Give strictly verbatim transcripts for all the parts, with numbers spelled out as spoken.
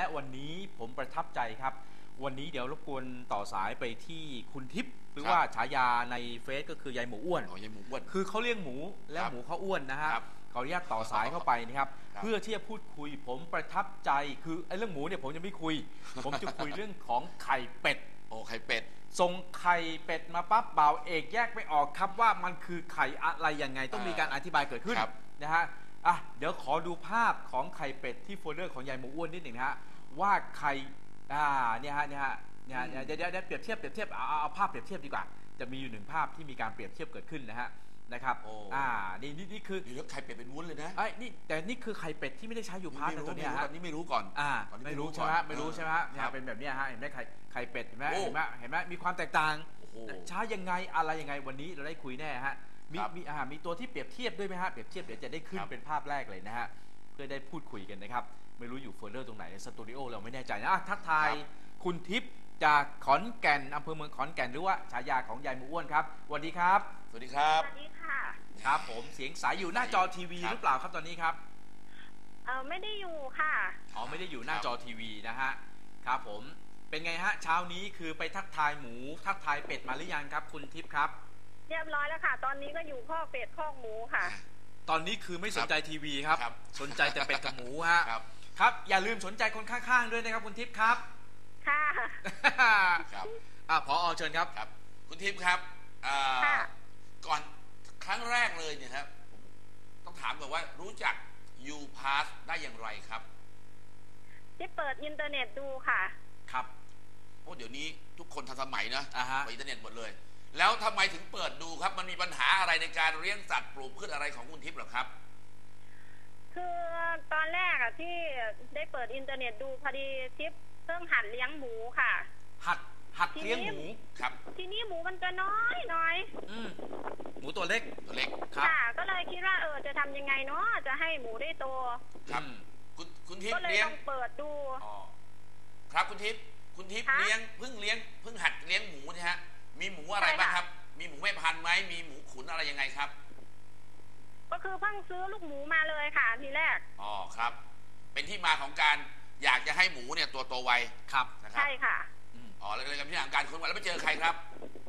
วันนี้ผมประทับใจครับวันนี้เดี๋ยวรบกวนต่อสายไปที่คุณทิพย์หรือว่าฉายาในเฟซก็คือยายหมูอ้วนอ๋อยายหมูอ้วนคือเขาเลี้ยงหมูแล้วหมูเขาอ้วนนะฮะขออนุญาตต่อสายเข้าไปนะครับเพื่อที่จะพูดคุยผมประทับใจคือไอ้เรื่องหมูเนี่ยผมจะไม่คุยผมจะคุยเรื่องของไข่เป็ดโอ้ไข่เป็ดส่งไข่เป็ดมาปั๊บบ่าวเอกแยกไม่ออกครับว่ามันคือไข่อะไรยังไงต้องมีการอธิบายเกิดขึ้นนะฮะอ่ะเดี๋ยวขอดูภาพของไข่เป็ดที่โฟลเดอร์ของยายหมูอ้วนนิดหนึ่งนะฮะว่าไข่อ่าเนี่ยฮะเนี่ยฮะเนี่ยเดี๋ยวเดี๋ยวเปรียบเทียบเปรียบเทียบเอาเอาภาพเปรียบเทียบดีกว่าจะมีอยู่หนึ่งภาพที่มีการเปรียบเทียบเกิดขึ้นนะฮะนะครับอ่านี่นี่นี่คือไข่เป็ดเป็นวุ้นเลยนะไอ้นี่แต่นี่คือไข่เป็ดที่ไม่ได้ใช้อยู่พาร์ทตัวนี้ฮะนี่ไม่รู้ก่อนอ่าไม่รู้ใช่ไหมไม่รู้ใช่ไหมเนี่ยเป็นแบบนี้ฮะเห็นไหมไข่ไข่เป็ดเห็นไหมเห็นไหมเห็นไหมมีความแตกต่างใช้ยังไงอะไรยังไงวันนี้เราได้คุยแน่ฮะมีมีอ่ามีตัวที่เปรียบเทียบด้วยไหมฮะเปรียบเทียบเดี๋ยวจะได้ขึ้นเป็นภาพแรกเลยนะฮะเพื่อได้พูดคุยกันนะครับไม่รู้อยู่เฟอร์เรอร์ตรงไหนในสตูดิโอเราไม่แน่ใจนะทักทายคุณทิพย์จากขอนแก่นอำเภอเมืองขอนแก่นหรือว่าฉายาของยายหมูอ้วนครับสวัสดีครับสวัสดีครับสวัสดีค่ะครับผมเสียงใสอยู่หน้าจอทีวีหรือเปล่าครับตอนนี้ครับเออไม่ได้อยู่ค่ะอ๋อไม่ได้อยู่หน้าจอทีวีนะฮะครับผมเป็นไงฮะเช้านี้คือไปทักทายหมูทักทายเป็ดมาหรือยังครับคุณทิพย์ครับเรียบร้อยแล้วค่ะตอนนี้ก็อยู่ข้อเป็ดข้อหมูค่ะตอนนี้คือไม่สนใจทีวีครับสนใจแต่เป็ดกับหมูฮะครับอย่าลืมสนใจคนข้างๆด้วยนะครับคุณทิพย์ครับค่ะครับอ่าผอ.เชิญครับครับคุณทิพย์ครับก่อนครั้งแรกเลยเนี่ยครับต้องถามก่อนว่ารู้จัก YouPass ได้อย่างไรครับที่เปิดอินเทอร์เน็ตดูค่ะครับโอ้เดี๋ยวนี้ทุกคนทันสมัยนะเปิดอินเทอร์เน็ตหมดเลยแล้วทำไมถึงเปิดดูครับมันมีปัญหาอะไรในการเลี้ยงสัตว์ปลูกพืชอะไรของคุณทิพย์หรอครับคือตอนแรกอะที่ได้เปิดอินเทอร์เน็ตดูพอดีทิพย์เพิ่งหัดเลี้ยงหมูค่ะหัดหัดเลี้ยงหมูครับทีนี้หมูมันจะน้อยน้อยหมูตัวเล็กตัวเล็กค่ะก็เลยคิดว่าเออจะทำยังไงเนาะจะให้หมูได้โตครับคุณคุณทิพย์เลี้ยงก็เลยต้องเปิดดูอ๋อครับคุณทิพย์คุณทิพย์เลี้ยงเพิ่งเลี้ยงเพิ่งหัดเลี้ยงหมูนะฮะมีหมูอะไรบ้างครับมีหมูแม่พันธุ์ไหมมีหมูขุนอะไรยังไงครับก็คือเพิ่งซื้อลูกหมูมาเลยค่ะทีแรกอ๋อครับเป็นที่มาของการอยากจะให้หมูเนี่ยตัวโตไวครับใช่ค่ะอ๋อแล้วเลยกับที่ทางการค้นคว้าแล้วไปเจอใครครับ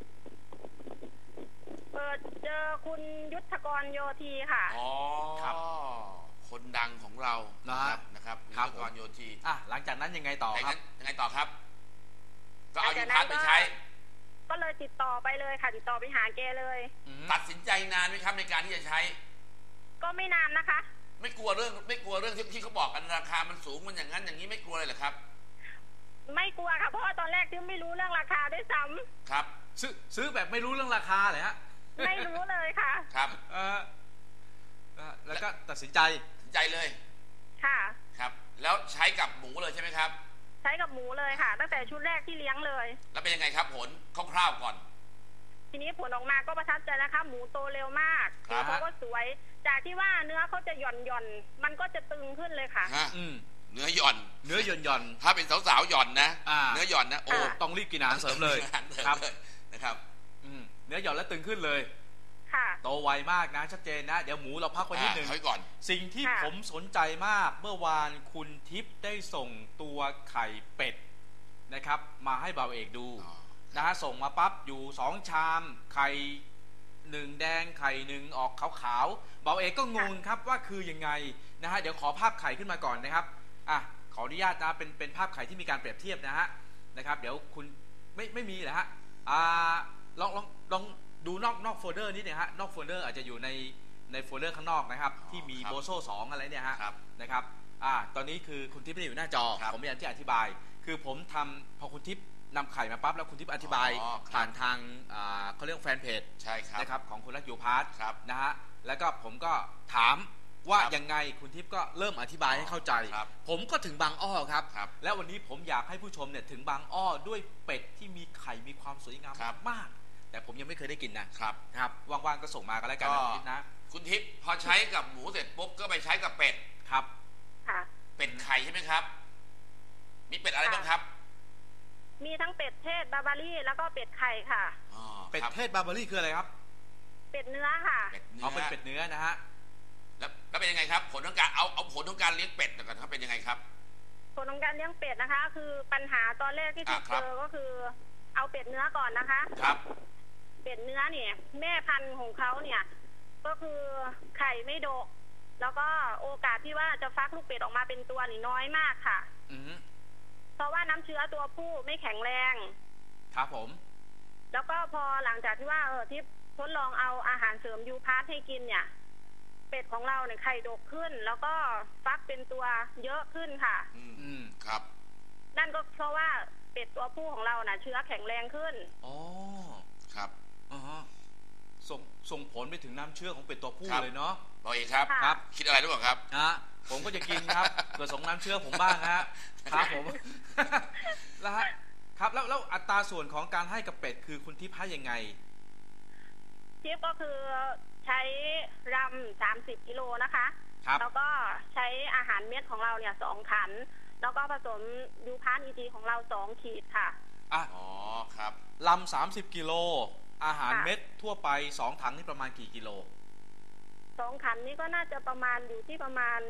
เปิดเจอคุณยุทธกรโยธีค่ะอ๋อครับคนดังของเรานะครับนะครับยุทธกรโยธีอ่ะหลังจากนั้นยังไงต่อครับยังไงต่อครับก็เอายูพัสไปใช้ก็เลยติดต่อไปเลยค่ะติดต่อไปหาแกเลยตัดสินใจนานไหมครับในการที่จะใช้ก็ไม่นานนะคะไม่กลัวเรื่องไม่กลัวเรื่องที่ที่เขาบอกกันราคามันสูงมันอย่างนั้นอย่างนี้ไม่กลัวเลยเหรอครับไม่กลัวค่ะเพราะว่าตอนแรกที่ไม่รู้เรื่องราคาด้วยซ้ำครับซื้อซื้อแบบไม่รู้เรื่องราคาเลยฮะไม่รู้เลยค่ะครับเออแล้วก็ตัดสินใจตัดสินใจเลยค่ะครับแล้วใช้กับหมูเลยใช่ไหมครับใช้กับหมูเลยค่ะตั้งแต่ชุดแรกที่เลี้ยงเลยแล้วเป็นยังไงครับผลคร่าวๆก่อนทีนี้ผลออกมาก็ประทับใจนะคะหมูโตเร็วมากเขาก็สวยจากที่ว่าเนื้อเขาจะหย่อนหย่อนมันก็จะตึงขึ้นเลยค่ะเนื้อหย่อนเนื้อหย่อนหย่อนถ้าเป็นสาวๆหย่อนนะเนื้อหย่อนนะโอ้ต้องรีบกินอาหารเสริมเลยครับนะครับเนื้อหย่อนแล้วตึงขึ้นเลยค่ะโตไวมากนะชัดเจนนะเดี๋ยวหมูเราพักไว้นิดนึงก่อนสิ่งที่ผมสนใจมากเมื่อวานคุณทิพย์ได้ส่งตัวไข่เป็ดนะครับมาให้บ่าวเอกดูนะฮะส่งมาปั๊บอยู่สองชามไข่หนึ่งแดงไข่หนึ่งออกขาวๆบ่าวเอกก็งงครับว่าคือยังไงนะฮะเดี๋ยวขอภาพไข่ขึ้นมาก่อนนะครับอ่ะขออนุญาตนะเป็นเป็นภาพไข่ที่มีการเปรียบเทียบนะฮะนะครับเดี๋ยวคุณไม่ไม่มีเหรอฮะอ่าลองลองลองดูนอกนอกโฟลเดอร์นิดนึงฮะนอกโฟลเดอร์อาจจะอยู่ในในโฟลเดอร์ข้างนอกนะครับที่มีโบโซ่สองอะไรเนี่ยฮะนะครับอ่าตอนนี้คือคุณทิพย์ไม่ได้อยู่หน้าจอผมพยายามที่อธิบายคือผมทำพอคุณทิพย์นำไข่มาปั๊บแล้วคุณทิพย์อธิบายผ่านทางเขาเรียกแฟนเพจใช่ครับนะครับของคุณรักยูพาร์ทนะฮะแล้วก็ผมก็ถามว่ายังไงคุณทิพย์ก็เริ่มอธิบายให้เข้าใจผมก็ถึงบางอ้อครับแล้ววันนี้ผมอยากให้ผู้ชมเนี่ยถึงบางอ้อด้วยเป็ดที่มีไข่มีความสวยงามมากแต่ผมยังไม่เคยได้กินนะครับครับว่างๆก็ส่งมากันแล้วกันนะคุณทิพย์นะคุณทิพย์พอใช้กับหมูเสร็จปุ๊บก็ไปใช้กับเป็ดครับค่ะเป็ดไข่ใช่ไหมครับมีเป็ดอะไรบ้างครับมีทั้งเป็ดเทศบาบารี่แล้วก็เป็ดไข่ค่ะเป็ดเทศบาบารี่คืออะไรครับเป็ดเนื้อค่ะเอาเป็นเป็ดเนื้อนะฮะแล้วแล้วเป็นยังไงครับผลของการเอาเอาผลของการเลี้ยงเป็ดก่อนครับเป็นยังไงครับผลของการเลี้ยงเป็ดนะคะ คือปัญหาตอนแรกที่ทิพย์เจอก็คือเอาเป็ดเนื้อก่อนนะคะครับเป็ดเนื้อเนี่ยแม่พันธุ์ของเขาเนี่ยก็คือไข่ไม่ดกแล้วก็โอกาสที่ว่าจะฟักลูกเป็ดออกมาเป็นตัวนี่น้อยมากค่ะอือเพราะว่าน้ำเชื้อตัวผู้ไม่แข็งแรงครับผมแล้วก็พอหลังจากที่ว่าเออที่ทดลองเอาอาหารเสริมยูพาร์ทให้กินเนี่ยเป็ดของเราเนี่ยไข่ดกขึ้นแล้วก็ฟักเป็นตัวเยอะขึ้นค่ะอืมครับนั่นก็เพราะว่าเป็ดตัวผู้ของเราน่ะเชื้อแข็งแรงขึ้นอ๋อครับอ๋อส่งส่งผลไปถึงน้ำเชื้อของเป็ดตัวผู้เลยเนาะบอกอีกครับครับคิดอะไรหรือเปล่าครับฮะผมก็จะกินครับเกิดส่งน้ำเชื้อผมบ้างฮะครับผมแล้วฮะครับแล้วแล้วอัตราส่วนของการให้กับเป็ดคือคุณทิพย์ให้ยังไงทิพย์ก็คือใช้รำสามสิบกิโลนะคะแล้วก็ใช้อาหารเม็ดของเราเนี่ยสองขันแล้วก็ผสมยูพาร์ทอีทีของเราสองขีดค่ะอ่ะอ๋อครับลำสามสิบกิโลอาหารเม็ดทั่วไปสองถังนี่ประมาณกี่กิโลสองขันนี่ก็น่าจะประมาณอยู่ที่ประมาณ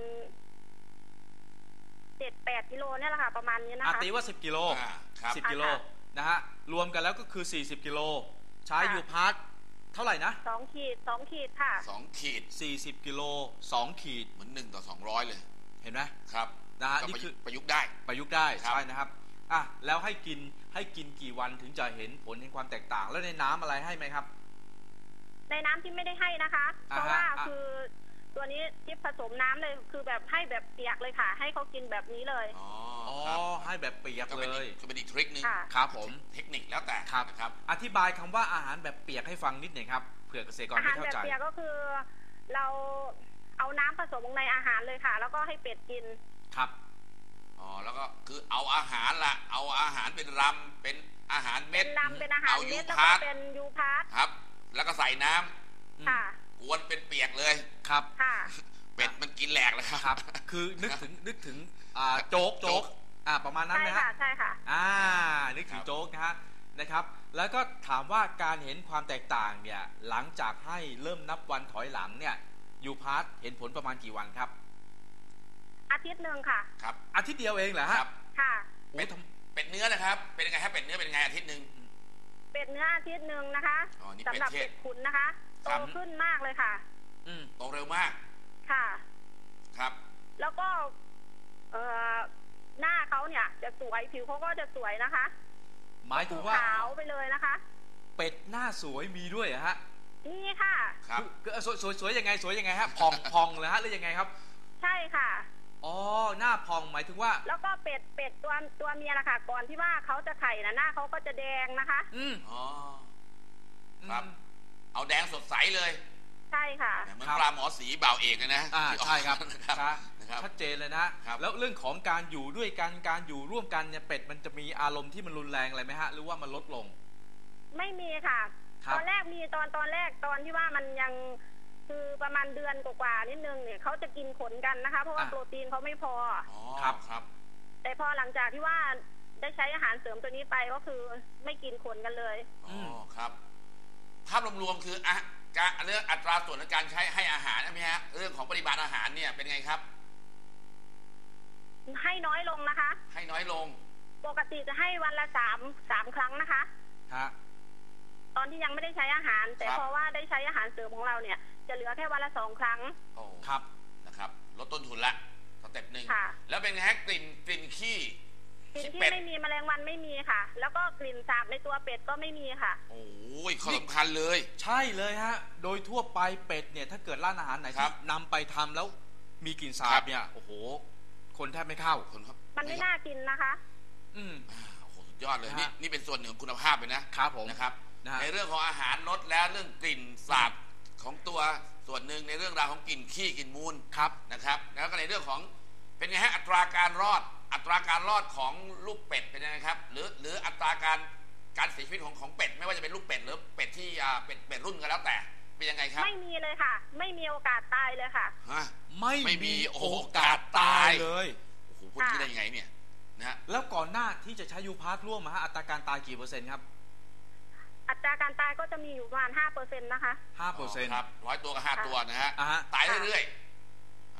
เจ็ดแปดกิโลเนี่ยแหละค่ะประมาณนี้นะคะตีว่าสิบกิโลสิบกิโลนะฮะรวมกันแล้วก็คือสี่สิบกิโลใช้ยูพาร์ทเท่าไหร่นะสองขีดสองขีดค่ะสองขีดสี่สิบกิโลสองขีดเหมือนหนึ่งต่อสองร้อยเลยเห็นไหมครับนะฮะนี่คือประยุกต์ได้ประยุกต์ได้ใช่นะครับอ่ะแล้วให้กินให้กินกี่วันถึงจะเห็นผลเห็นความแตกต่างแล้วในน้ำอะไรให้ไหมครับในน้ำที่ไม่ได้ให้นะคะเพราะว่าคือตัวนี้ทิพผสมน้ำเลยคือแบบให้แบบเปียกเลยค่ะให้เขากินแบบนี้เลยอ๋อให้แบบเปียกเลยก็เป็นอีกทริคนึงครับผมเทคนิคแล้วแต่ครับอธิบายคำว่าอาหารแบบเปียกให้ฟังนิดหนึ่งครับเผื่อเกษตรกรไม่เข้าใจอาหารแบบเปียกก็คือเราเอาน้ำผสมลงในอาหารเลยค่ะแล้วก็ให้เป็ดกินครับอ๋อแล้วก็คือเอาอาหารละเอาอาหารเป็นรำเป็นอาหารเม็ดเป็นรำเป็นอาหารเม็ดแล้วก็เป็นยูพาร์ทครับแล้วก็ใส่น้ำค่ะกวนเป็นเปียกเลยครับค่ะเป็ดมันกินแหลกเลยครับคือนึกถึงนึกถึงอ่าโจ๊กโจ๊กอ่าประมาณนั้นนะฮะใช่ค่ะอ่านึกถึงโจ๊กนะฮะนะครับแล้วก็ถามว่าการเห็นความแตกต่างเนี่ยหลังจากให้เริ่มนับวันถอยหลังเนี่ยยูพาร์ทเห็นผลประมาณกี่วันครับอาทิตย์หนึ่งค่ะครับอาทิตย์เดียวเองเหรอฮะค่ะเป็ดเป็ดเนื้อนะครับเป็นยังไงครับเป็ดเนื้อเป็นยังไงอาทิตย์หนึ่งเป็ดเนื้ออาทิตย์หนึ่งนะคะสำหรับเป็ดขุนนะคะโตขึ้นมากเลยค่ะอืมโตเร็วมากค่ะครับแล้วก็เอ่อหน้าเขาเนี่ยจะสวยผิวเขาก็จะสวยนะคะหมายถึงว่าขาวไปเลยนะคะเป็ดหน้าสวยมีด้วยเหรอฮะนี่ค่ะครับสวยสวยสวยยังไงสวยยังไงฮะพองพองเลยฮะหรือยังไงครับใช่ค่ะอ๋อหน้าพองหมายถึงว่าแล้วก็เป็ดเป็ดตัวตัวเมียนะคะก่อนที่ว่าเขาจะไข่นะหน้าเขาก็จะแดงนะคะอืมอ๋อครับเอาแดงสดใสเลยใช่ค่ะเหมือนปลาหมอสีบ่าวเอกเลยนะอ่าใช่ครับชัดเจนเลยนะแล้วเรื่องของการอยู่ด้วยกันการอยู่ร่วมกันเนี่ยเป็ดมันจะมีอารมณ์ที่มันรุนแรงอะไรไหมฮะหรือว่ามันลดลงไม่มีค่ะตอนแรกมีตอนตอนแรกตอนที่ว่ามันยังคือประมาณเดือนกว่าๆนิดนึงเนี่ยเขาจะกินขนกันนะคะเพราะว่าโปรตีนเขาไม่พออ๋อครับครับแต่พอหลังจากที่ว่าได้ใช้อาหารเสริมตัวนี้ไปก็คือไม่กินขนกันเลยอ๋อครับภาพรวมๆคืออะการเรื่องอัตราส่วนในการใช้ให้อาหารใช่ไหมฮะเรื่องของปริมาณอาหารเนี่ยเป็นไงครับให้น้อยลงนะคะให้น้อยลงปกติจะให้วันละสามสามครั้งนะคะฮะตอนที่ยังไม่ได้ใช้อาหารแต่เพราะว่าได้ใช้อาหารเสริมของเราเนี่ยจะเหลือแค่วันละสองครั้งโอ้ครับนะครับลดต้นทุนละสเต็ปหนึ่งแล้วเป็นไงฮะกลิ่นกลิ่นขี้กลิ่นขี้ไม่มีแมลงวันไม่มีค่ะแล้วก็กลิ่นสาบในตัวเป็ดก็ไม่มีค่ะโอ้ยข้อสำคัญเลยใช่เลยฮะโดยทั่วไปเป็ดเนี่ยถ้าเกิดร้านอาหารไหนที่นำไปทำแล้วมีกลิ่นสาบเนี่ยโอ้โหคนแทบไม่เข้าคนครับมันไม่น่ากินนะคะอืมโอ้โหสุดยอดเลยนี่นี่เป็นส่วนหนึ่งของคุณภาพเลยนะครับผมนะครับในเรื่องของอาหารลดแล้วเรื่องกลิ่นสาบของตัวส่วนหนึ่งในเรื่องราวของกลิ่นขี้กลิ่นมูลครับนะครับแล้วก็ในเรื่องของเป็นไงฮะอัตราการรอดอัตราการรอดของลูกเป็ดเป็นยังไงครับหรือหรืออัตราการการเสียชีวิตของของเป็ดไม่ว่าจะเป็นลูกเป็ดหรือเป็ดที่อ่าเป็ดเป็ดรุ่นก็แล้วแต่เป็นยังไงครับไม่มีเลยค่ะไม่มีโอกาสตายเลยค่ะฮะไม่ไม่มีโอกาสตายเลยโอ้โหพูดได้ยังไงเนี่ยนะแล้วก่อนหน้าที่จะใช้ยูพาร์ทร่วมมาฮะอัตราการตายกี่เปอร์เซ็นต์ครับอัตราการตายก็จะมีอยู่ประมาณห้าเปอร์เซ็นต์นะคะห้าเปอร์เซ็นต์ครับร้อยตัวกับห้าตัวนะฮะตายเรื่อยๆ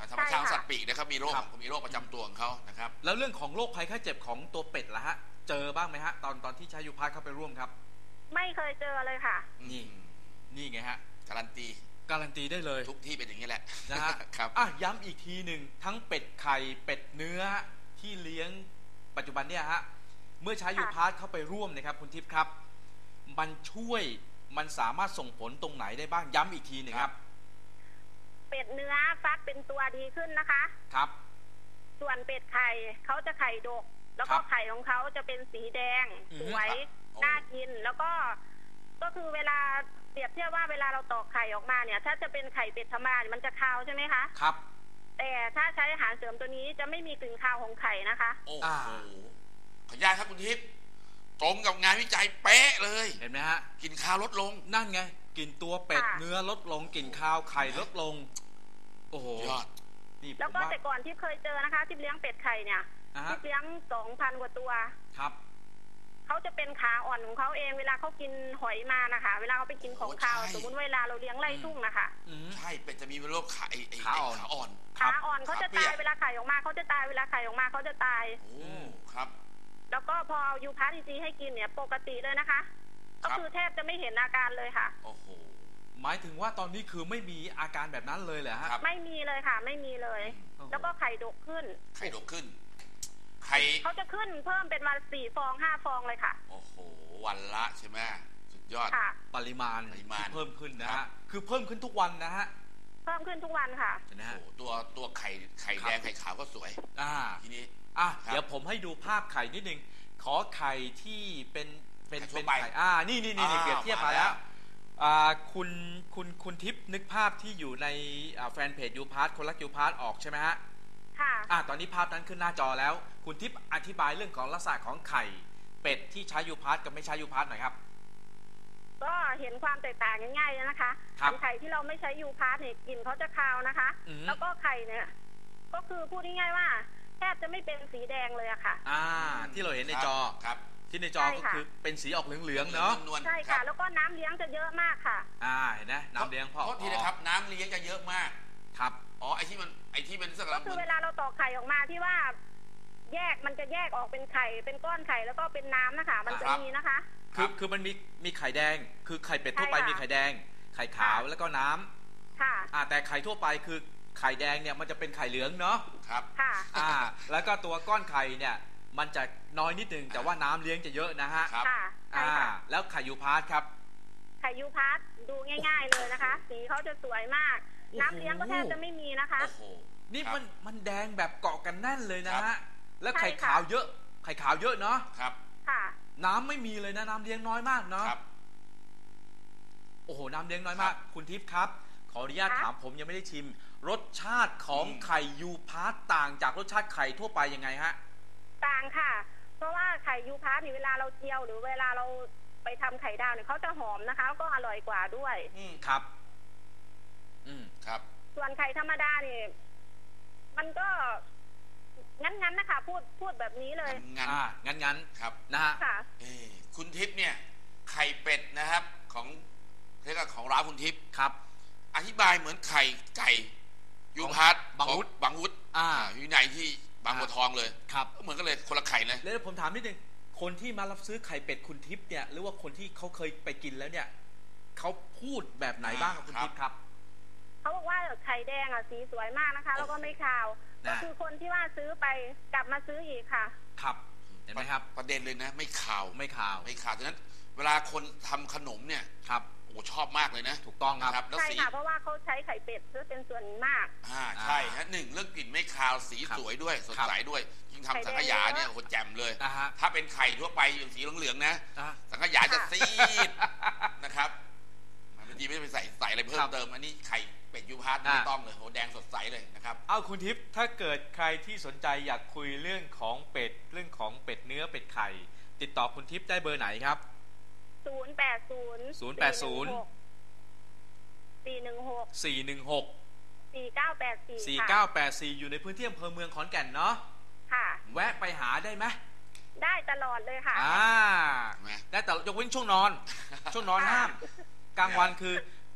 ธรรมชาติสัตว์ปีกนะครับมีโรคมีโรคประจำตัวของเขานะครับแล้วเรื่องของโรคภัยไข้เจ็บของตัวเป็ดล่ะฮะเจอบ้างไหมฮะตอนตอนที่ใช้ยูพาร์ทเข้าไปร่วมครับไม่เคยเจอเลยค่ะนี่นี่ไงฮะการันตีการันตีได้เลยทุกที่เป็นอย่างนี้แหละนะฮะครับอ่ะย้ำอีกทีหนึ่งทั้งเป็ดไข่เป็ดเนื้อที่เลี้ยงปัจจุบันเนี่ยฮะเมื่อใช้ยูพาร์ทเข้าไปร่วมนะครับคุณทิพย์ครับมันช่วยมันสามารถส่งผลตรงไหนได้บ้างย้ำอีกทีหนึ่งครับเป็ดเนื้อฟักเป็นตัวดีขึ้นนะคะครับส่วนเป็ดไข่เขาจะไข่ดกแล้วก็ไข่ของเขาจะเป็นสีแดงสวยน่ากินแล้วก็ก็คือเวลาเปรียบเทียบว่าเวลาเราตอกไข่ออกมาเนี่ยถ้าจะเป็นไข่เป็ดธรรมดามันจะคาวใช่ไหมคะครับแต่ถ้าใช้อาหารเสริมตัวนี้จะไม่มีกลิ่นคาวของไข่นะคะโอ้โหขออนุญาตครับคุณทิพย์ตรงกับงานวิจัยเป๊ะเลยเห็นไหมฮะกลิ่นคาวลดลงนั่นไงกลิ่นตัวเป็ดเนื้อลดลงกลิ่นคาวไข่ลดลงโอ้โหยอดแล้วก็แต่ก่อนที่เคยเจอนะคะที่เลี้ยงเป็ดไข่เนี่ยที่เลี้ยงสองพันกว่าตัวครับเขาจะเป็นขาอ่อนของเขาเองเวลาเขากินหอยมานะคะเวลาเขาไปกินของคาวสมมติเวลาเราเลี้ยงไร่ทุ่งนะคะใช่เป็ดจะมีโรคขาขาอ่อนขาอ่อนขาอ่อนเขาจะตายเวลาไข่ออกมาเขาจะตายเวลาไข่ออกมาเขาจะตายโอ้ครับแล้วก็พอยูพาร์ทจีให้กินเนี่ยปกติเลยนะคะก็คือแทบจะไม่เห็นอาการเลยค่ะโอ้โหหมายถึงว่าตอนนี้คือไม่มีอาการแบบนั้นเลยเหรอฮะไม่มีเลยค่ะไม่มีเลยแล้วก็ไข่ดกขึ้นไข่ดกขึ้นไข่เขาจะขึ้นเพิ่มเป็นวันสี่ฟองห้าฟองเลยค่ะโอ้โหวันละใช่ไหมสุดยอดปริมาณที่เพิ่มขึ้นนะฮะคือเพิ่มขึ้นทุกวันนะฮะเพิ่มขึ้นทุกวันค่ะนะฮะตัวตัวไข่ไข่แดงไข่ขาวก็สวยอ่าทีนี้อ่ะเดี๋ยวผมให้ดูภาพไข่นิดนึงขอไข่ที่เป็นเป็นเป็นไข่อ่านี่นี่นี่เปรียบเทียบมาแล้วอ่าคุณคุณคุณทิพย์นึกภาพที่อยู่ในแฟนเพจยูพาร์ทคนรักยูพาร์ทออกใช่ไหมฮะค่ะอ่าตอนนี้ภาพนั้นขึ้นหน้าจอแล้วคุณทิพย์อธิบายเรื่องของลักษณะของไข่เป็ดที่ใช้ยูพาร์ทกับไม่ใช้ยูพาร์ทหน่อยครับก็เห็นความแตกต่างง่ายๆนะคะไข่ที่เราไม่ใช้ยูพาร์ทเนี่ยกลิ่นเขาจะคาวนะคะแล้วก็ไข่เนี่ยก็คือพูดง่ายๆว่าแทบจะไม่เป็นสีแดงเลยอะค่ะอ่าที่เราเห็นในจอครับที่ในจอก็คือเป็นสีออกเหลืองๆเนาะใช่ค่ะแล้วก็น้ำเลี้ยงจะเยอะมากค่ะอ่าเห็นไหมน้ำเลี้ยงพอโทษทีนะครับน้ำเลี้ยงจะเยอะมากครับอ๋อไอที่มันไอที่มันสักก็คือเวลาเราตอกไข่ออกมาที่ว่าแยกมันจะแยกออกเป็นไข่เป็นก้อนไข่แล้วก็เป็นน้ำนะคะมันจะมีนะคะคือคือมันมีมีไข่แดงคือไข่เป็ดทั่วไปมีไข่แดงไข่ขาวแล้วก็น้ำค่ะอ่าแต่ไข่ทั่วไปคือไข่แดงเนี่ยมันจะเป็นไข่เหลืองเนาะครับค่ะอ่าแล้วก็ตัวก้อนไข่เนี่ยมันจะน้อยนิดนึงแต่ว่าน้ำเลี้ยงจะเยอะนะฮะครับอ่าแล้วไข่ยูพาร์ทครับไข่ยูพาร์ทดูง่ายๆเลยนะคะสีเขาจะสวยมากน้ำเลี้ยงก็แทบจะไม่มีนะคะโอ้โหนี่มันมันแดงแบบเกาะกันแน่นเลยนะฮะแล้วไข่ขาวเยอะไข่ขาวเยอะเนาะครับค่ะน้ำไม่มีเลยนะน้ำเลี้ยงน้อยมากเนาะโอ้โหน้ำเลี้ยงน้อยมากคุณทิพย์ครับขออนุญาตถามผมยังไม่ได้ชิมรสชาติของไข่ยูพาร์ตต่างจากรสชาติไข่ทั่วไปยังไงฮะต่างค่ะเพราะว่าไข่ยูพาร์ตนี่เวลาเราเจียวหรือเวลาเราไปทำไข่ดาวเนี่ยเขาจะหอมนะคะแล้วก็อร่อยกว่าด้วยอืมครับอืมครับส่วนไข่ธรรมดานี่มันก็งั้นๆนะคะพูดพูดแบบนี้เลยงั้นอ่างั้นๆครับนะฮะเออคุณทิพย์เนี่ยไข่เป็ดนะครับของเรียกว่าของร้านคุณทิพย์ครับอธิบายเหมือนไข่ไก่ยูพาร์ทบางวุฒบางวุฒอ่าอยู่ในที่บางบัวทองเลยครับเหมือนกันเลยคนละไข่เลยแล้วผมถามนิดนึงคนที่มารับซื้อไข่เป็ดคุณทิพย์เนี่ยหรือว่าคนที่เขาเคยไปกินแล้วเนี่ยเขาพูดแบบไหนบ้างครับคุณทิพย์ครับเขาบอกว่าไข่แดงอ่ะสีสวยมากนะคะแล้วก็ไม่คาวก็คือคนที่ว่าซื้อไปกลับมาซื้ออีกค่ะครับเห็นไหมครับประเด็นเลยนะไม่คาวไม่คาวไม่คาวฉะนั้นเวลาคนทำขนมเนี่ยครับโอ้ชอบมากเลยนะถูกต้องครับใช่ค่ะเพราะว่าเขาใช้ไข่เป็ดเพื่อเป็นส่วนมากอ่าใช่ฮะหนึ่งเรื่องกลิ่นไม่คาวสีสวยด้วยสดใสด้วยยิ่งทำสังขยาเนี่ยโอ้แจ่มเลยถ้าเป็นไข่ทั่วไปอย่างสีเหลืองๆนะสังขยาจะซีดนะครับบางทีไม่ได้ไปใส่ใส่อะไรเพิ่มเติมอันนี้ไข่เป็ดยูพาร์ทไม่ต้องเลยโหแดงสดใสเลยนะครับเอาคุณทิพย์ถ้าเกิดใครที่สนใจอยากคุยเรื่องของเป็ดเรื่องของเป็ดเนื้อเป็ดไข่ติดต่อคุณทิพย์ได้เบอร์ไหนครับศูนย์แปดศูนย์ศูนย์แปดศูนย์สี่หนึ่งหกสี่หนึ่งหกสี่เก้าแปดสี่สี่เก้าแปดสี่อยู่ในพื้นที่อำเภอเมืองขอนแก่นเนาะค่ะแวะไปหาได้ไหมได้ตลอดเลยค่ะอ่าได้แต่ยกเว้นช่วงนอนช่วงนอนห้ามกลางวันคือ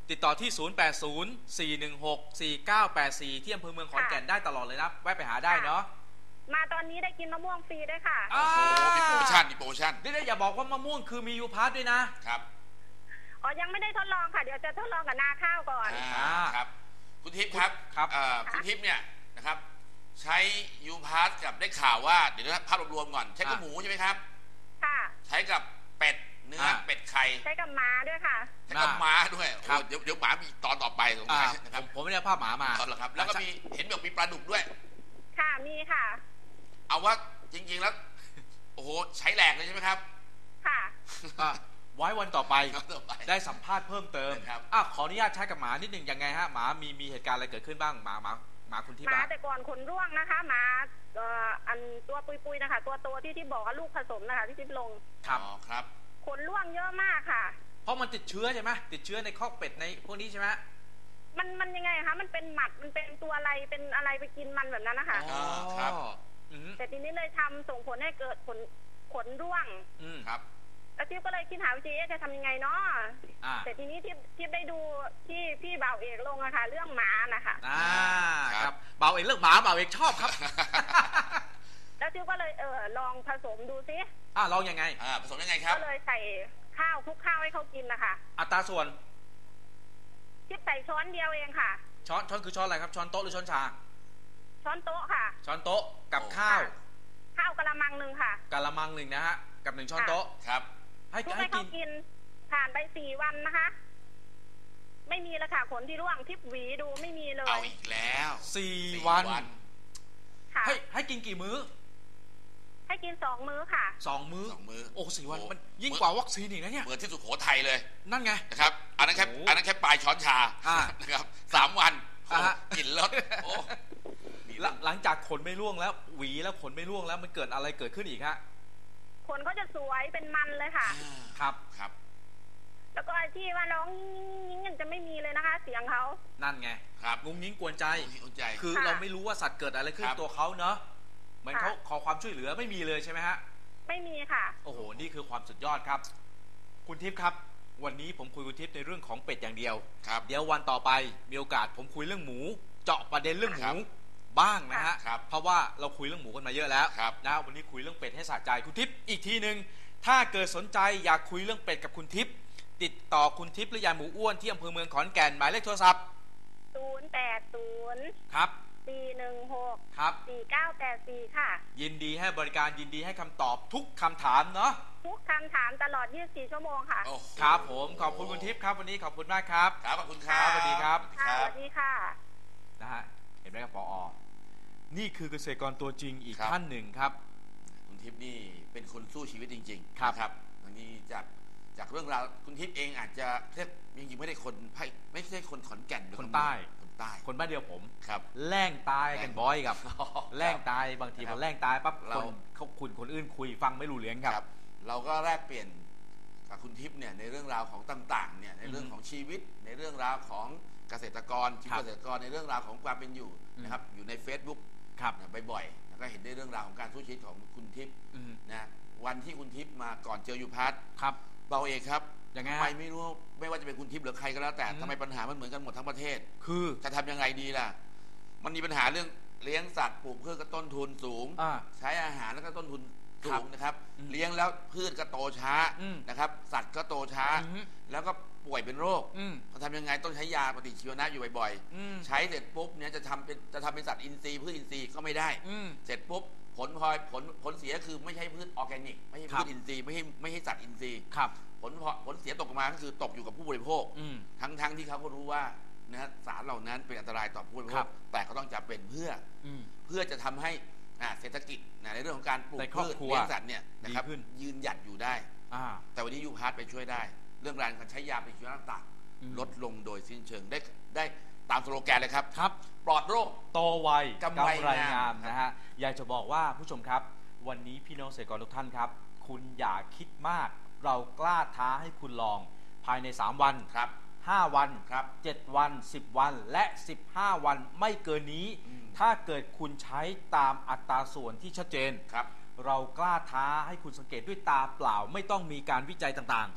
ติดต่อที่ ศูนย์ แปด ศูนย์ สี่ หนึ่ง หก สี่ เก้า แปด สี่ ที่อำเภอเมืองขอนแก่นได้ตลอดเลยนะแวะไปหาได้เนาะมาตอนนี้ได้กินมะม่วงฟรีด้วยค่ะโอ้โหมีโปรโมชั่นมีโปรโมชั่นนี่อย่าบอกว่ามะม่วงคือมียูพาร์ทด้วยนะครับอ๋อยังไม่ได้ทดลองค่ะเดี๋ยวจะทดลองกับนาข้าวก่อนอ่าครับคุณทิพย์ครับครับคุณทิพย์เนี่ยนะครับใช้ยูพาร์ทกับได้ข่าวว่าเดี๋ยวนะภาพรวมๆก่อนใช้กับหมูใช่ไหมครับค่ะใช้กับเป็ดเนื้อเป็ดไข่ใช้กับม้าด้วยค่ะใช้กับม้าด้วยโอ้เดี๋ยวเดี๋ยวหมามีตอนต่อไปตรงนี้นะครับผมไม่ได้ภาพหมามาตอนละครับแล้วก็มีเห็นบอกมีปลาดุกด้วยค่ะมีค่ะเอาว่าจริงๆแล้วโอ้โหใช้แหลกเลยใช่ไหมครับค่ะไว้วันต่อไปได้สัมภาษณ์เพิ่มเติมครับอ่ะขออนุญาตใช้กับหมานิดหนึ่งยังไงฮะหมามีมีเหตุการณ์อะไรเกิดขึ้นบ้างหมาหมาหมาคุณที่บ้านหมาแต่ก่อนขนร่วงนะคะหมาเอ่ออันตัวปุยๆนะคะตัวโตที่ที่บอกว่าลูกผสมนะคะที่ทิพลงครับอ๋อครับขนร่วงเยอะมากค่ะเพราะมันติดเชื้อใช่ไหมติดเชื้อในคอกเป็ดในพวกนี้ใช่ไหมมันมันยังไงคะมันเป็นหมัดมันเป็นตัวอะไรเป็นอะไรไปกินมันแบบนั้นนะคะอ๋อครับแต่ทีนี้เลยทำส่งผลให้เกิดขนขนร่วงครับแล้วทิพย์ก็เลยคิดหาวิธีจะทำยังไงเนาะแต่ทีนี้ทิพย์ทิพย์ได้ดูที่พี่บ่าวเอกลงอะค่ะเรื่องหมานะคะอ่าครับบ่าวเอกเรื่องหมาบ่าวเอกชอบครับแล้วทิพย์ก็เลยเออลองผสมดูซิอ่าลองยังไงอ่าผสมยังไงครับก็เลยใส่ข้าวคลุกข้าวให้เขากินนะคะอัตราส่วนทิพย์ใส่ช้อนเดียวเองค่ะช้อนช้อนคือช้อนอะไรครับช้อนโต๊ะหรือช้อนชาช้อนโต๊ะค่ะช้อนโต๊ะกับข้าวข้าวกะละมังหนึ่งค่ะกะละมังหนึ่งนะฮะกับหนึ่งช้อนโต๊ะครับให้ให้เขากินผ่านไปสี่วันนะคะไม่มีแล้วค่ะขนที่ร่วงทิพย์หวีดูไม่มีเลยเอาอีกแล้วสี่วันให้ให้กินกี่มื้อให้กินสองมื้อค่ะสองมื้อสองมื้อโอ้สี่วันมันยิ่งกว่าวัคซีนอีกนะเนี่ยเหมือนที่สุโขทัยเลยนั่นไงนะครับอันนั้นแค่อันนั้นแค่ปลายช้อนชานะครับสามวันกินแล้วโอ้หลังจากขนไม่ร่วงแล้วหวีแล้วขนไม่ร่วงแล้วมันเกิดอะไรเกิดขึ้นอีกฮะขนก็จะสวยเป็นมันเลยค่ะครับครับแล้วก็ไอ้ที่ว่าร้องงิ้งๆจะไม่มีเลยนะคะเสียงเขานั่นไงครับงุ้งงิ้งกวนใจใจคือเราไม่รู้ว่าสัตว์เกิดอะไรขึ้นตัวเขาเนอะเหมือนเขาขอความช่วยเหลือไม่มีเลยใช่ไหมฮะไม่มีค่ะโอ้โหนี่คือความสุดยอดครับคุณทิพย์ครับวันนี้ผมคุยคุณทิพย์ในเรื่องของเป็ดอย่างเดียวครับเดี๋ยววันต่อไปมีโอกาสผมคุยเรื่องหมูเจาะประเด็นเรื่องหมูบ้างนะฮะเพราะว่าเราคุยเรื่องหมูกันมาเยอะแล้วนะวันนี้คุยเรื่องเป็ดให้สะใจคุณทิพย์อีกทีนึงถ้าเกิดสนใจอยากคุยเรื่องเป็ดกับคุณทิพย์ติดต่อคุณทิพย์หรือยายหมูอ้วนที่อำเภอเมืองขอนแก่นหมายเลขโทรศัพท์ศูนย์ แปด ศูนย์ครับสี่ หนึ่ง หกครับสี่ เก้า แปด สี่ค่ะยินดีให้บริการยินดีให้คำตอบทุกคำถามเนาะทุกคำถามตลอดยี่สิบสี่ชั่วโมงค่ะครับผมขอบคุณคุณทิพย์ครับวันนี้ขอบคุณมากครับครับขอบคุณครับสวัสดีครับสวัสดีค่ะนะฮะเห็นไหมครับผอ.นี่คือเกษตรกรตัวจริงอีกท่านหนึ่งครับคุณทิพย์นี่เป็นคนสู้ชีวิตจริงๆครับครับอันนี้จากจากเรื่องราวคุณทิพย์เองอาจจะเรียกจริงๆไม่ได้คนไม่ใช่คนขอนแก่นคนใต้คนใต้คนบ้านเดียวผมครับแล่งตายกันบ่อยครับแล่งตายบางทีพอแล่งตายปั๊บคนเขาคุยคนอื่นคุยฟังไม่รู้เรื่องครับเราก็แลกเปลี่ยนกับคุณทิพย์เนี่ยในเรื่องราวของต่างๆเนี่ยในเรื่องของชีวิตในเรื่องราวของเกษตรกรชีวิตเกษตรกรในเรื่องราวของความเป็นอยู่นะครับอยู่ใน Facebook บ่อยๆแล้วก็เห็นได้เรื่องราวของการสู้ชีวิตของคุณทิพย์นะวันที่คุณทิพย์มาก่อนเจอยูพาร์ทครับเบาเอกครับยังไงทำไมไม่รู้ไม่ว่าจะเป็นคุณทิพย์หรือใครก็แล้วแต่ทำไมปัญหามันเหมือนกันหมดทั้งประเทศคือจะทำยังไงดีล่ะมันมีปัญหาเรื่องเลี้ยงสัตว์ปลูกพืชก็ต้นทุนสูงใช้อาหารแล้วก็ต้นทุนสูงนะครับเลี้ยงแล้วพืชก็โตช้านะครับสัตว์ก็โตช้าแล้วก็ป่วยเป็นโรคจะทำยังไงต้องใช้ยาปฏิชีวนะอยู่บ่อยๆใช้เสร็จปุ๊บเนี่ยจะทำเป็นจะทำเป็นสัตว์อินทรีย์พืชอินทรีย์ก็ไม่ได้เสร็จปุ๊บผลพลอยผลผลเสียคือไม่ใช่พืชออร์แกนิกไม่ใช่พืชอินทรีย์ไม่ใช่ไม่ใช่สัตว์อินทรีย์ผลผลเสียตกมาก็คือตกอยู่กับผู้บริโภคทั้งทั้งที่เขาก็รู้ว่านะสารเหล่านั้นเป็นอันตรายต่อผู้บริโภคแต่ก็ต้องจำเป็นเพื่อเพื่อจะทำให้เศรษฐกิจในเรื่องของการปลูกพืชเลี้ยงสัตว์เนี่ยนะครับยืนหยัดอยู่ได้แต่วันนี้ยูพาร์ทไปช่วยได้เรื่องการใช้ยาปฏิชีวนะต่างลดลงโดยสิ้นเชิงได้ได้ตามสโลแกนเลยครับครับปลอดโรคโตไวกำไรงามนะฮะอยากจะบอกว่าผู้ชมครับวันนี้พี่น้องเกษตรกรทุกท่านครับคุณอย่าคิดมากเรากล้าท้าให้คุณลองภายในสามวันครับห้าวันครับเจ็ดวันสิบวันและสิบห้าวันไม่เกินนี้ถ้าเกิดคุณใช้ตามอัตราส่วนที่ชัดเจนครับเรากล้าท้าให้คุณสังเกตด้วยตาเปล่าไม่ต้องมีการวิจัยต่างๆครับ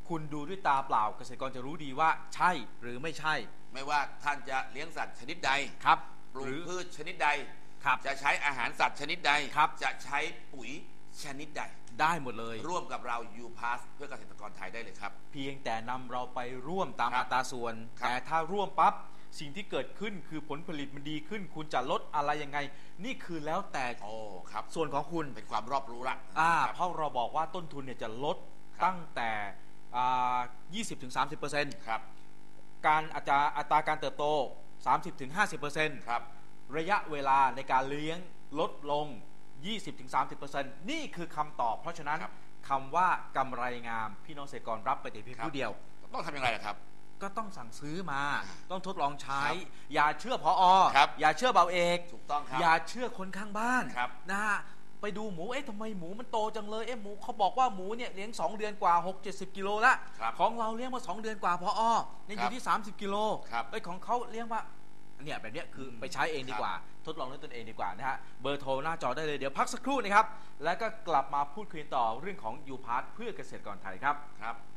คุณดูด้วยตาเปล่าเกษตรกรจะรู้ดีว่าใช่หรือไม่ใช่ไม่ว่าท่านจะเลี้ยงสัตว์ชนิดใดครับปลูหกรือพืชชนิดใดครับจะใช้อาหารสัตว์ชนิดใดครับจะใช้ปุ๋ยชนิดใดได้หมดเลยร่วมกับเรายูพาสเพื่อเกษตรกรไทยได้เลยครับเพียงแต่นำเราไปร่วมตามครับอัตราส่วนครับแต่ถ้าร่วมปั๊บสิ่งที่เกิดขึ้นคือผลผลิตมันดีขึ้น คุณจะลดอะไรยังไง นี่คือแล้วแต่โอ้ครับส่วนของคุณเป็นความรอบรู้ละอ่าครับเพราะเราบอกว่าต้นทุนเนี่ยจะลดครับตั้งแต่อ่า ยี่สิบถึงสามสิบเปอร์เซ็นต์ครับการอัตราอัตราการเติบโต สามสิบถึงห้าสิบเปอร์เซ็นต์ครับระยะเวลาในการเลี้ยงลดลง ยี่สิบถึงสามสิบเปอร์เซ็นต์ นี่คือคำตอบ เพราะฉะนั้นครับคำว่ากำไรงามพี่น้องเกษตรกรรับไปแต่เพียงครับผู้เดียวต้องทำยังไงล่ะครับก็ต้องสั่งซื้อมา ต้องทดลองใช้ครับอย่าเชื่อพออครับอย่าเชื่อเบาเอกถูกต้องครับอย่าเชื่อคนข้างบ้านครับนะฮะไปดูหมูเอ๊ะทำไมหมูมันโตจังเลยเอ๊ะหมูเขาบอกว่าหมูเนี่ยเลี้ยงสองเดือนกว่าหก เจ็ดสิบกิโลละครับของเราเลี้ยงมาสองเดือนกว่าพออเนี่ยอครัยู่บที่สามสิบกิโลครับไอ้ยของเขาเลี้ยงว่าเนี่ยแบบเนี้ยคือไปใช้เองดีกว่า ทดลองด้วยตนเองดีกว่านะฮะเบอร์โทรหน้าจอได้เลยเดี๋ยวพักสักครู่นะครับแล้วก็กลับมาพูดคุยต่อเรื่องของยูพาร์ทเพื่อเกษตรกรไทยครับครับ